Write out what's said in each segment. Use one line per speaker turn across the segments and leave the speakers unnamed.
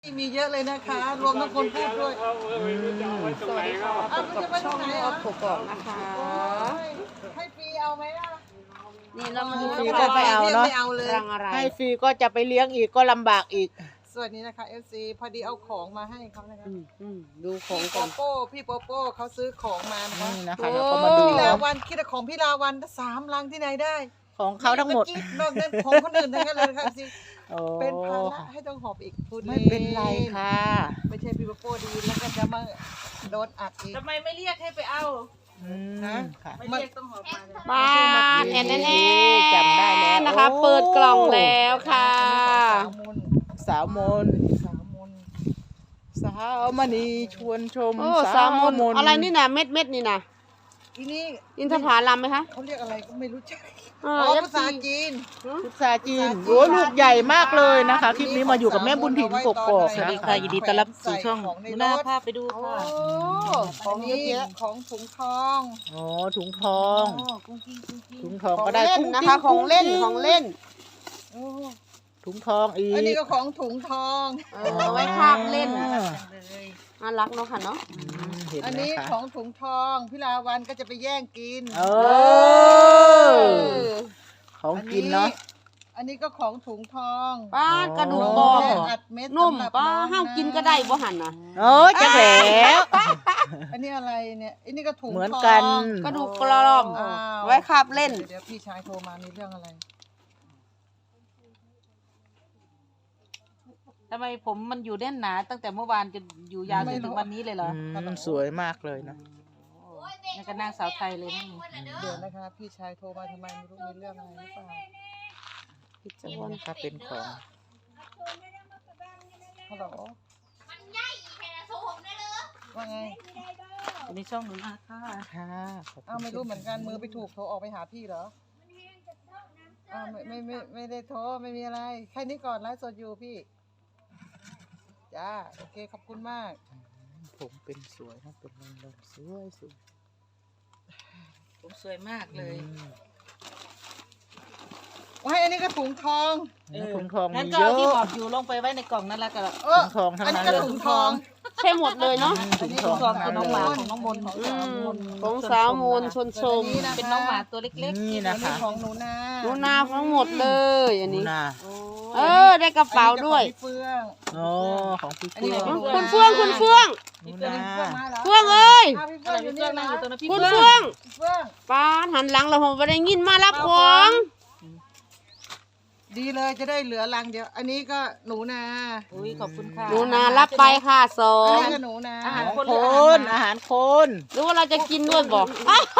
มีเยอะเลยนะคะรวมทั้งคนพูดด้วย
สวัสดีค่ะพบกับช่องออฟกกอกนะคะ
ให้ฟรีเอาไหมล่ะ
นี่เรามาดู
ฟรีก็ไปเอาเนาะ
ไม่เอาเลย
รังอะไร
ให้ฟรีก็จะไปเลี้ยงอีกก็ลำบากอีก
สวัสดีนะคะ FC พอดีเอาของมาให้เขานะคะ
ดูของ
พี่โป
ก่อน
โป้พี่โปโป้เขาซื้อของมานะคะ
นี่นะคะเราก็มาดู
พี่ลาวันคิดแต่ของพี่ลาวัน3 ลังที่ไหนได้
ของเขาทั้งหมด
นอกนั้นของคนอื่นทั้งนั้นเลยค่ะสิ
โอ้
เป็นภาระให้ต้องหอบอีกพูด
ไม่เป็นไรค่ะ
ไม่ใช่พี่โปโป้ดีแล้วก็จะมาโดนอัดอีก
ทำไมไม่เรียกให้ไปเอา
ค่ะ
ไม่เรียกต้องหอบมาเลย
บ้านแอนแอนแอน
จำได้แล้ว
นะคะ เปิดกล่องแล้วค่ะ
สาวมน
สาวมน
สาวมณีชวนชม
โอ้สามมนอะไรนี่นะเม็ดนี่นะ
ทีนี้
อินทผลัมไหมคะ
เขาเรียกอะไรก็ไม่รู้จัก
อ๋อ
อ๋อ
FC
ภาษาจีน
พุทราจีนโอ้ลูกใหญ่มากเลยนะคะคลิปนี้มาอยู่กับแม่บุญถิ่นกกอก
สวัสดี
นะ
ค่ะ
คะ
ยินดีต้อนรับสู่ช่อง
ของใน
หน้าร
ถ
ภาพไปดู
โอ้
ค่ะ
ของเยอะของถุงทอง
โอ้ถุงทอง
กุ้งกิ้งกุ้งกิ้ง
ถุงทอง
ของ
ก็ได้
เล่น
กุ้ง
นะคะ
กิ้
ของเล่น
กุ้
ของเล่น
โอ้
ถุงทองอีก
อันนี้ก็ของถุงทอง
เอาไว้คาบเล่น
อ่า
น่ารักเนาะค่ะเนาะ
เห็น
อัน
ไหม
นี้
คะ
ของถุงทองพี่ลาวันก็จะไปแย่งกิน
เออของกินเนาะ
อันนี้ก็ของถุงทอง
ป้ากระดูก
อ๋
บ
อ
อก
แม่อัดเม็ด
นุ่ม
สำหรับ
ป้า
น้อง
ห้ามกินก็ได้บ่หันนะ
โอ้ยจะแหล้ว
อันนี้อะไรเนี่ยอันนี้ก็ถุง
เหมือน
ทอง
กัน
กระดูกกรอม
อ้าว
ไว้คาบเล่น
เดี๋ยวพี่ชายโทรมามีเรื่องอะไร
ทำไมผมมันอยู่แน่นหนาตั้งแต่เมื่อวานจนอยู่ยาวจนถึงวันนี้เลยเหรอ
สวยมากเลยนะ
นี่ก็นางสาวไทยเลยนี่
เดี๋ยวนะคะ พี่ชายโทรมาทำไมไม่รู้มีเรื่องอะไรหรือเปล่า
พิจารณาเป็นของ
ฮัลโหลว่าไง
ในช่องหนูนะค่ะ
ค่ะขอบคุณ
อ้าวไม่รู้เหมือนกันมือไปถูกโทรออกไปหาพี่เหรออ้าวไม่ได้โทรไม่มีอะไรแค่นี้ก่อนไลฟ์สดอยู่พี่จ้าโอเคขอบคุณมาก
ผมเป็นสวยนะเป็นลมสวยสวย
ผมสวยมากเลย
ว้ายอันนี้ก็ถุงทอง
ถุงทอง
งั้น
มี
ก็
เย
เอา
อะ
ที่หอบอยู่ลงไปไว้ในกล่องนั่นแหละก็
เออ
ถุงทองทั้ง
อัน
นั้
นี้
น
ก็
เลย
ถุงทอง
ใช่หมดเลยเนาะ
ถุงท
ถุ
อง
งทอง
ทั้
ของ
ง
น้
นั้
อง
น
ห
เล
มาย ของน้องมนต์ของ
ของสาวมนชนชม
เป็นน้องหมาตัวเล็ก
นี่
อั
นะ
นนี้
คะ
ของหนูนา
หนูนาทั้งหมดเลยอันนี้
นา
เออ ได้กระเป๋าด้วย
อันนี้ก็ของพี่เฟื่อง
โอ้ของพี่
อันนี้
เฟื่อง
ของ
คุณเฟื่องคุณเฟื่อง
หนู
เฟื่อง
นา
เฟื่องมาเหรอ
เฟื่องเอ้ย
อ้าวพี่
ๆ
เฟื่
อะ
อง
ไร
อยู่
พี่
นี่
เฟื่อง
นะ
นั่งอยู่ตรงนั้นพี่
คุณ
เฟื่อง
เฟื่อง
เฟื่อง
ป้าหันหลังเราผมไปได้ยินมารับของ
ดีเลยจะได้เหลือรังเดียว อันนี้ก็หนูนา
อุ้ยขอบคุณค่ะ
หนูนารับไปค่ะสอ
อัน
ง
นี้ก็หนูนา
อาหาร
ของ
คน
ค
หรืออาหาร
น
หมา
อาหารคน
หรือว่าเราจะกินด้วยบอก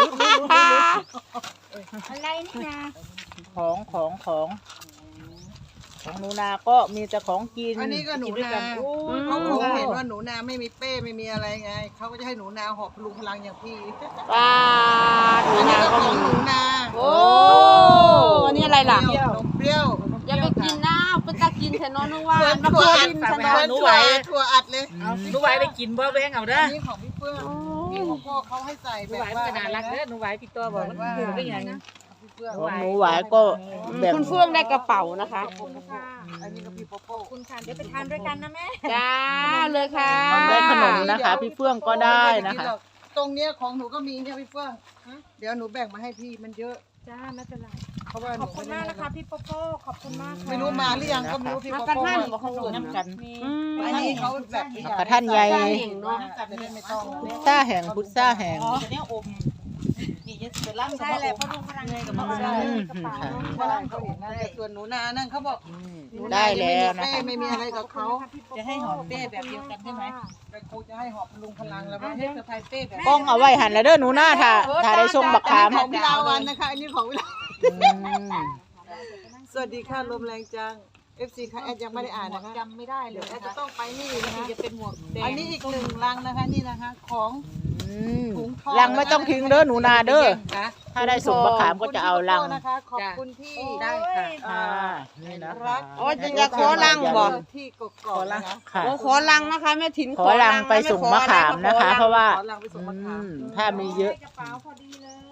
อะไรนี่นะ
ของหนูนาก็มีแต่ของกิน
อันนี้ก็หนู
กิด้วย
นา
โอ้ย
เขาคงเห็นว่าหนูนาไม่มีเป้ไม่มีอะไรไงเขาก็จะให้หนูนาหอบพลุงพลังอย่างพี่
ป้าหนู
อันนี้
นา
ก็
ก็
ของ
มี
หนูนา
โอ้อันนี้อะไรล่ะ
นมเปรี้ยว
อย่าไปกินนะเป็นตากินแทนน้องนึกว่า
เหมือน
มา
ถั่ว
โค
อัด
ดิน
เห
ฉัน
มื
นะ
อนถั่วอัดเลย
หนูไหวได้กินบ่แบงเอาเด้อ
อันนี้ของพี่เฟื่องพี่ของพ่อเขาให้ใส่
หนู
แบบ
ไหว
ว่า
มันก็น่ารักเด้อหนูไหวพี่ตัวบอกมันหูได้ยัง
พี่เฟื่อง
ของหนูหวายก็แบ่ง
คุณเฟื่องได้กระเป๋านะคะ
อันนี้ก็พี่โปโป้
คุณค่ะเดี๋ยวไปทานด้วยกันนะแม่
จ้าเลยค่ะ
ได้ขนมนะคะ พี่เฟื่องก็ได้นะคะ
ตรงเนี้ยของหนูก็มีเนี่ยพี่เฟื่องเดี๋ยวหนูแบ่งมาให้พี่มันเยอะ
จ้าไม่เป็นไร
เพราะว่าห
ข
นู
อบคุณมากนะคะพี่โปโป้ขอบคุณมากค่ะ
ไม่รู้มาหรือยังก็ไม่รู้พี่
มา
โป
กัน
โป้
ท่านบอกเขาดู
น้ำกัน
อันนี้เขาแบบ
กระท่านใหญ่
เก่งเนาะ
จะได้ไม่ต้อง
พุทซ่าแห่งพุทซ่าแห่ง
อ๋อเนี่ยอมนี่จะเป็นร่าง
ใช่แหละเพราะดูพลังงานกับพ่อ
ใช่
กระเป๋า
ค่ะ
ใช่เขาเห็นนะแต่ส่วนหนูนานั่นเขาบอก
ได้แล้วนะคะ
ไม่มีอะไรกับเขา
จะให้หอมเป้แบบเดียวกันใช่ไหม
แต่ครูจะให้หอบพลุงพลังแล้วมั้ง
ให้สะพายเป้แบบ
กล้องเอาไว้หันแล้วเด้อหนูหน้าถ้าได้ส่งบักขาม
ของพิลาวันนะคะอันนี้ของพิลา
อืม
สวัสดีค่ะลมแรงจัง FC ค่ะแอดยังไม่ได้อ่านนะคะ
จำไม่ได้เล
เดี๋ย
ยว
แอ
นะ
ดจะต้องไปนี่นะคะ
จะเป็นหมวกแดง
อันนี้อีก1 ลังนะคะนี่นะคะของ
อืม
ถุงทอง
ลังไม่ต้องทิ้งเด้อหนูนาเด้อ
ค่ะ
ถ้าได้ส่งบักขามก็จะเอาลัง
นะคะขอบคุณที่
ได้ค่ะ
ค่ะนี่นะ
รั
คะ
ก
โอ้ยจะขอลังบอก
ที่กกอกนะคะ
ค่ะ
โอ้ขอลังนะคะแม่ถิ่น
ขอลังไปส่งมะขามนะคะ เพราะว่า
ขอลังไปส่งมะขาม
ถ้ามีเยอะ
กระเป๋าพอดีเลย
อ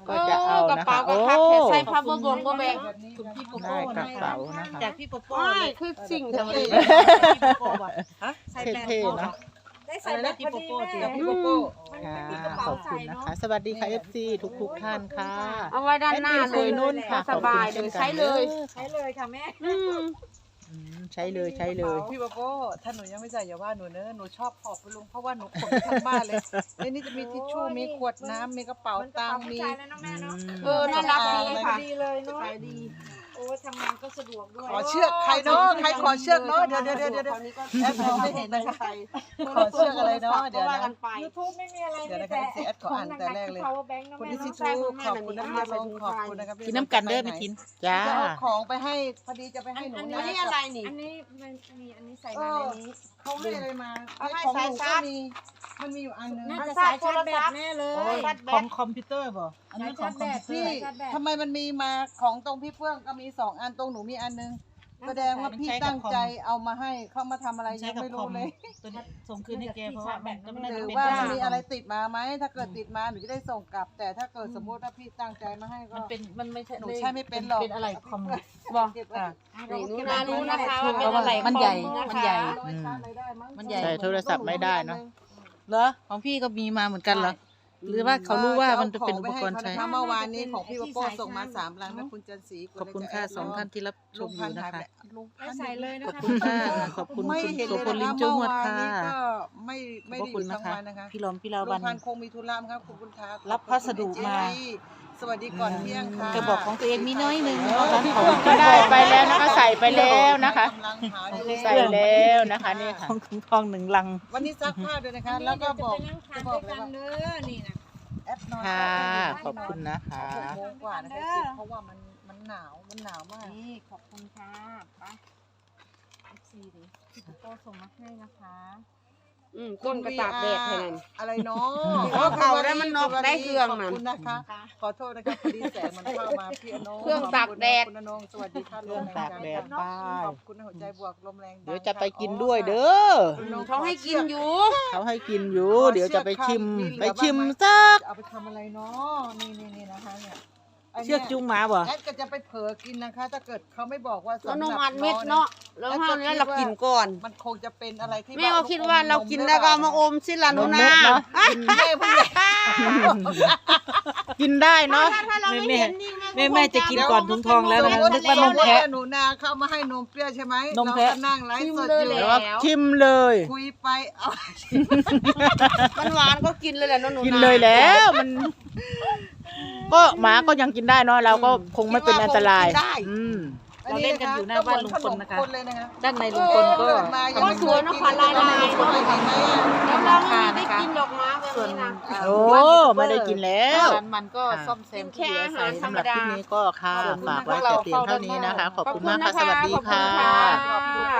ก็จะเอา
กระ
นะ
เป๋า
คะ
กระ
โอ้
คับแขนใส่ผ้าบงก็แบง
คุณพี่
ได้กระเป๋านะคะ
จากพี่โปโป้
ไม่
เลย
คือสิ่ง
เท่
ที่
พี่โปโป้อะ
ใส่แบรนด์
เท่ๆเนาะ
ได้ใส่แบรนด์พอดีแม่
กับพี่โกโก้
มัน
ค่ะ
ไม่มีกระเป๋า
ขอบ
ใส่
คุณนะ
เนาะ
คะ สวัสดีค่ะ FC ทุกท่านค่ะ
เอาไว้ด้านหน้า
แอดมิน
เล
คุ
ย
ยนุ่นค่ะ
สบายเลยใช้เลย
ใช้เลยค่ะแม่
ใช้เลยใช้เลย
พี่โกโก้ถ้าหนูยังไม่ใส่อย่าว่าหนูเนอะหนูชอบขอบไปลุงเพราะว่าหนูขนไปทั้งบ้านเลยในนี้จะมีทิชชู่มีขวดน้ำมีกระเป๋าตังค์มี
มันกระเป๋าผู้ชายแล้วเนาะแม่เนาะ
น่ารักดีค่ะ
ดีเลยเนาะ
ขายดี
โอ้ทำงานก็สะดวกด้วย
ขอเชือกใครเนาะใครขอเชือกเนาะเดี๋ยวแอดมองไม่เห็นนะคะขอเชือกอะไรเนาะเดี๋ยวนะ
ยูทูบไม่มีอะไร
เดี๋ยว
มี
นะคะ
แต่
แอดขออ่านแต่แรกเลย
power bank เนาะ
คุณ
แม่
นิสิ
เนาะ
ทูขอบคุณนะคะลงขอบคุณนะครับ
กินน้ำกันเด้อไม่กิน
จ้า
จะเอาของไปให้พอดีจะไปให้หนู
อัน
นะ
นี้อะไรนี่ อันนี้มันมีอันนี้ใส่มาในนี้
เขาให้อะไรมา
เอาให้
ของห
สาย
นู
ชา
ก็
ร์จ
มีมันมีอยู่อันนึง
น่าจะสายชาร์จแบตแน่เลย
ของคอมพิวเตอร์บ่อันนี้ของคอมพิวเตอร์
พี่ทำไมมันมีมาของตรงพี่เฟื่องก็มี2 อันตรงหนูมีอันนึงแสดงว่าพี่ตั้งใจเอามาให้เขามาทำอะไรยังไม่รู้เลย
ตัวนี้ส่งคืนให้แกเพราะว่าแบตก็ไม่ได้
หรือ
เป็น
ว่า
ได้
มันมีอะไรติดมาไหมถ้าเกิดติดมาหนูจะได้ส่งกลับ แต่ถ้าเกิดสมมติว่าพี่ตั้งใจมาให้ก็
มันเป็นมันไม่ใช่
หนูใช้ไม่เป็นหรอก
เป็นอะไรคอม
บอกเก็บไว้
รู้นะคะว่าเป็น
เพราะว่า
อะไร
มันใหญ่
คอ
มันใหญ่
เอาไว้ชาร์จอะไรได้มั้ง
มันใหญ่
ใช้โทรศัพท์ไม่ได้เนอะ
เหรอของพี่ก็มีมาเหมือนกันเหรอหรือว่าเขารู้ว่ามันจะเป็นอุปกรณ์ใช้
เมื่อวานนี้ของพี่โปโป้ส่งมา3 ลังนะคุณจันทร์ศรี
ขอบคุณค่ะ2 ท่านที่รับช
ลุ
ม
ง
อ
พัน
ยู่
ธุ์
นะ
หายไป
คะ
ลุง
ไม่
พันธุ์
ใส่เลยนะ
ขอบ
คะ
คุณค่ะขอบคุณ
ไม่
คุณ
เห็น
โส
เลย
พลลิ
นะ
ม
คะ
จุ้
เมื่
ง
อ
วด
วาน
ค่ะ
นี้ก็ไม่
ขอบ
ได้อ
คุณ
ยู่
นะ
ทั้ง
คะ
วันนะคะ
พี่ลอมพี่ลา
ลุ
วั
ง
น
พันธุ์คงมีธุระมั้งครับขอบคุณครับ
รับพัสดุมา
สวัสดีก่อนเที่ยงค่ะ
กระบอกของตัวเองมีน้อยหนึ่ง
พี่เฟื่องก็ได้ไปแล้วนะคะ ใส่ไปแล้วนะคะ
กำลังหาอยู่
ใส่แล้วนะคะนี่ค่ะ
ของถุงทอง1 ลัง
วันนี้ซักผ้าด้วยนะคะ แล้วก็บอก
จะ
จะ
ไป
บ
นั่
อก
ง
เลย
ทาน
ว่า
ด้วยกันเด้อนี่นะ
แอปนอน
ค่ะขอบคุณนะคะ
6 โมงกว่านะคะเพราะว่ามันหนาวมาก
นี่ขอบคุณค่ะไปFC ดิพี่โปโป้ส่งมาให้นะคะ
ก้นกระตากแดดแทนอะไรเนาะ
เขาได้มันนอกได้เครื่อง
ขอบ
มัน
คุณนะคะ ขอโทษนะคะพอดีแสงมันเข้ามาพี่อนง
เครื่องตากแดด
คุณอนงสวัสดีค่ะ
เครื่องตากแดดป้าย
ขอบคุณหัวใจบวกลมแรงดัง
เดี๋ยวจะไปกินด้วยเด้อ
เขาให้กินอยู่
เขาให้กินอยู่ เดี๋ยวจะไปชิมสัก
เอาไปทำอะไรเนาะนี่นะคะเนี่ย
เชือกจุงหมาบ่
แอดก็จะไปเผลอกินนะคะ ถ้าเกิดเขาไม่บอกว่า
แล้ว
สำห
น
รับ
มอัดเม็ดเนาะแล้วห้ามแล้วเรากินก่อน
มันคงจะเป็นอะไรที่
แม่ก็คิดว่าเรากินแล้วก็เอามาอมสิล่ะหนูนา
แม่เพิ่ง
กินได้เนาะ
ถ้าเราไม่เห็นนี่
แม่จะกินก่อนถุงทองแล้วนะ
สม
นึ
ติ
กว่านมแพะ
หนูนาเข้ามาให้นมเปรี้ยวใช่ไหม
นมแพะ
เราก็นั่งไลฟ์สดอยู่
เดี๋ยวว่าชิมเลย
คุยไปเอา
มันหวานก็กินเลยแหละหนูนา
กินเลยแล้วมัน ก็หมาก็ยังกินได้เนาะเราก็คงไม่เป็นอันตรายอืม
เราเล่นกันอยู่หน้าบ้านลุงพลนะคะ
ก็เหมือขมเลยนะคะ
ด้านในลุงพลก็
เกิดมายังไม่เคยกินเลย
ลาย
ไม่เคยกินไหมอะ
แล้วเราไม่ได้กินดอกไม้แบบนี้นะ
โอ้ไม่ได้กินแล้ว
ร้านมันก็ซ่อมแซมที่เหลือใส่
สำหรับคลิปนี้ก็ค่ะฝากไว้แต่เพียงเท่านี้นะคะ ขอบคุณมากค่ะ สวัสดีค่ะ
ขอบคุณค่ะ